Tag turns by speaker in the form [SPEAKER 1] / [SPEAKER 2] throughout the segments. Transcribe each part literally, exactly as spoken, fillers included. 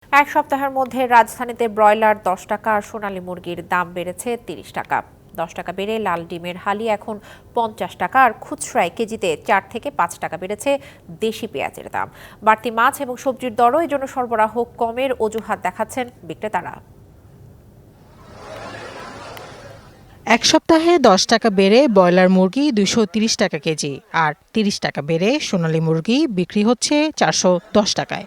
[SPEAKER 1] এক সপ্তাহের মধ্যে রাজধানীতে ব্রয়লার দশ টাকা আর সোনালী মুরগির দাম বেড়েছে তিরিশ টাকা। দশ টাকা বেড়ে লাল ডিমের হালি এখন পঞ্চাশ টাকা, আর খুচরায় কেজিতে চার থেকে পাঁচ টাকা বেড়েছে দেশি পেঁয়াজের দাম। বাড়তি মাছ এবং সবজির দরও এজন্য সরবরাহ কমের অজুহাত দেখাচ্ছেন বিক্রেতারা।
[SPEAKER 2] এক সপ্তাহে দশ টাকা বেড়ে ব্রয়লার মুরগি দুইশো তিরিশ টাকা কেজি, আর তিরিশ টাকা বেড়ে সোনালী মুরগি বিক্রি হচ্ছে চারশো দশ টাকায়।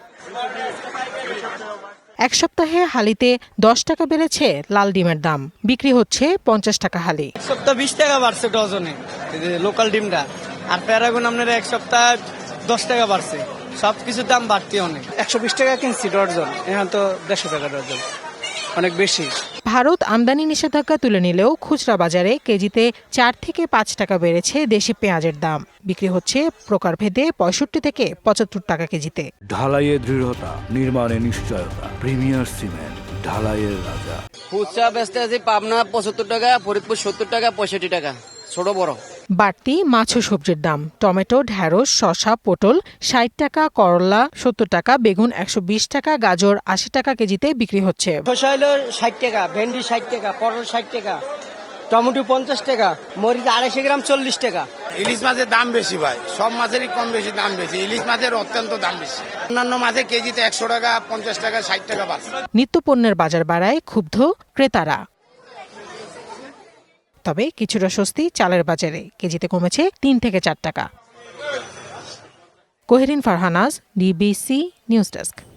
[SPEAKER 2] এক সপ্তাহে হালিতে দশ টাকা বেড়েছে লাল ডিমের দাম, বিক্রি হচ্ছে পঞ্চাশ টাকা হালি।
[SPEAKER 3] এক সপ্তাহ বিশ টাকা বাড়ছে ডজনে লোকাল ডিমটা, আর প্যারাগন আপনার এক সপ্তাহ দশ টাকা বাড়ছে। সবকিছুর দাম বাড়তি অনেক। একশো বিশ টাকা কিনছি ডজন, এখন তো দেড়শো টাকা ডজন, অনেক বেশি।
[SPEAKER 2] ভারত আমদানি নিষেধাজ্ঞা তুলে নিলেও খুচরা বাজারে কেজিতে চার থেকে পাঁচ টাকা বেড়েছে দেশি পেঁয়াজের দাম, বিক্রি হচ্ছে প্রকারভেদে পঁয়ষট্টি থেকে পঁচাত্তর টাকা কেজিতে।
[SPEAKER 4] ঢালাইয়ের দৃঢ়তা, নির্মাণে নিশ্চয়তা, প্রিমিয়ার সিমেন্ট, ঢালাইয়ের রাজা।
[SPEAKER 5] খুচরা বেচতে আছে পাবনা পঁচাত্তর টাকা, ফরিদপুর সত্তর টাকা, পঁয়ষট্টি টাকা, ছোট বড়।
[SPEAKER 2] বাড়তি মাছ ও সবজির দাম, টমেটো, ঢেঁড়স, শসা, পটল ষাট টাকা, করলা সত্তর টাকা, বেগুন একশো বিশ টাকা, গাজর আশি টাকা কেজিতে বিক্রি হচ্ছে।
[SPEAKER 3] শসা হলো ষাট টাকা, ভেন্ডি ষাট টাকা, পটল ষাট টাকা, টমেটো পঞ্চাশ টাকা, মরিচ আড়াইশো গ্রাম চল্লিশ টাকা।
[SPEAKER 6] ইলিশ মাছের দাম বেশি ভাই, সব মাছেরই কম বেশি দাম বেশি, ইলিশ মাছের অত্যন্ত দাম বেশি। অন্যান্য মাছের কেজিতে একশো টাকা, পঞ্চাশ টাকা, ষাট টাকা বাড়ছে।
[SPEAKER 2] নিত্য পণ্যের বাজার বাড়ায় ক্ষুব্ধ ক্রেতারা। তবে কিছুটা স্বস্তি চালের বাজারে, কেজিতে কমেছে তিন থেকে চার টাকা। Koherin Farhanaz, DBC news desk.